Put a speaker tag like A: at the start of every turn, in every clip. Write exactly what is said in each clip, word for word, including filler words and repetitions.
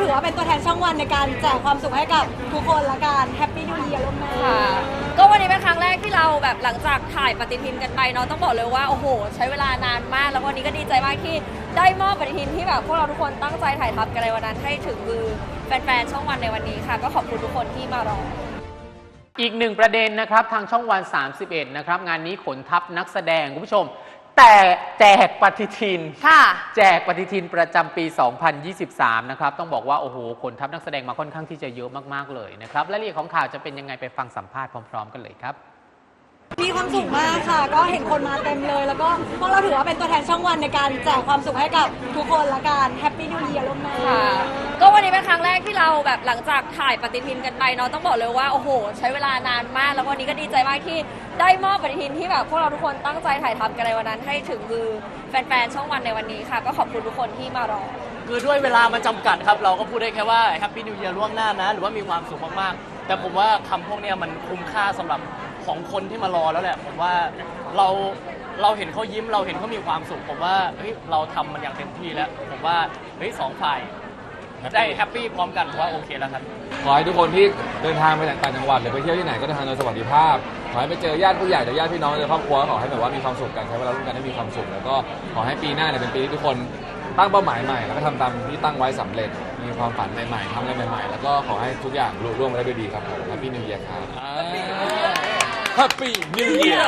A: ถือว่าเป็นตัวแทนช่องวันในการแจกความสุขให้กับทุกคนละกันแฮปปี้นิวเยียร์ล่วงหน้า
B: ก็วันนี้เป็นครั้งแรกที่เราแบบหลังจากถ่ายปฏิทินกันไปเนาะต้องบอกเลยว่าโอ้โหใช้เวลานานมากแล้ววันนี้ก็ดีใจมากที่ได้มอบปฏิทินที่แบบพวกเราทุกคนตั้งใจถ่ายทำกันในวันนั้นให้ถึงมือแฟนๆช่องวันในวันนี้ค่ะก็ขอบคุณทุกคนที่มารอ
C: อีกหนึ่งประเด็นนะครับทางช่องวันสามสิบเอ็ดนะครับงานนี้ขนทัพนักแสดงคุณผู้ชมแต่แจกปฏิทิน
B: ค่ะ
C: แจกปฏิทินประจำปี สองพันยี่สิบสาม นะครับต้องบอกว่าโอ้โหขนทัพนักแสดงมาค่อนข้างที่จะเยอะมากๆเลยนะครับรายละเอียดของข่าวจะเป็นยังไงไปฟังสัมภาษณ์พร้อมๆกันเลยครับ
A: มีความสุขมากค่ะก็เห็นคนมาเต็มเลยแล้วก็พวกเราถือว่าเป็นตัวแทนช่องวันในการแจกความสุขให้กับทุกคนละกันแฮปปี้นิวเยียร์ล่วงหน้า
B: ก็วันนี้เป็นครั้งแรกที่เราแบบหลังจากถ่ายปฏิทินกันไปเนาะต้องบอกเลยว่าโอ้โหใช้เวลานานมากแล้ววันนี้ก็ดีใจมากที่ได้มอบปฏิทินที่แบบพวกเราทุกคนตั้งใจถ่ายทำกันในวันนั้นให้ถึงมือแฟนๆช่องวันในวันนี้ค่ะก็ขอบคุณทุกคนที่มารอ
D: คือด้วยเวลามันจำกัดครับเราก็พูดได้แค่ว่าแฮปปี้นิวเยียร์ล่วงหน้านะหรือว่ามีความสุขมากๆแต่ผมว่าคำพวกนี้มันคุ้มค่าสำหรับของคนที่มารอแล้วแหละผมว่าเราเราเห็นเขายิ้มเราเห็นเขามีความสุขผมว่าเฮ้ยเราทำมันอย่างเต็มที่แล้วผมว่าเฮ้ยสองฝ่ายได้แฮปปี้พร้อมกันผมว่าโอเคแล้วครับ
E: ขอให้ทุกคนที่เดินทางไปต่างจังหวัดหรือไปเที่ยวที่ไหนก็เดินทางโดยสวัสดิภาพขอให้ไปเจอญาติผู้ใหญ่หรือญาติพี่น้องในครอบครัวขอให้แบบว่ามีความสุขกันใช้เวลาร่วมกันให้มีความสุขแล้วก็ขอให้ปีหน้าเนี่ยเป็นปีที่ทุกคนตั้งเป้าหมายใหม่แล้วก็ทำตามที่ตั้งไว้สำเร็จมีความฝันใหม่ๆทำอะไรใหม่ๆแล้วก็ขอให้ทุกอย่างลุล่วงไปได้ด้วยดีครับผมแฮปปี้นิวเยียร์ครับแฮปปี้นิวเยียร์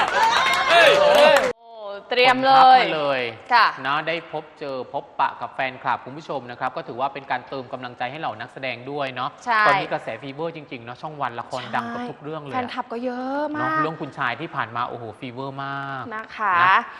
B: เตรียมเลย
C: มาเลย
B: ค่ะ
C: นะได้พบเจอพบปะกับแฟนคลับคุณผู้ชมนะครับก็ถือว่าเป็นการเติมกำลังใจให้เหล่านักแสดงด้วยเนาะตอนนี้กระแสฟีเวอร์จริงๆเนาะช่องวันละครดังกับทุกเรื่องเลย
B: แฟนคลับก็เยอะมาก
C: เรื่องคุณชายที่ผ่านมาโอ้โหฟีเวอร์มาก
B: นะคะ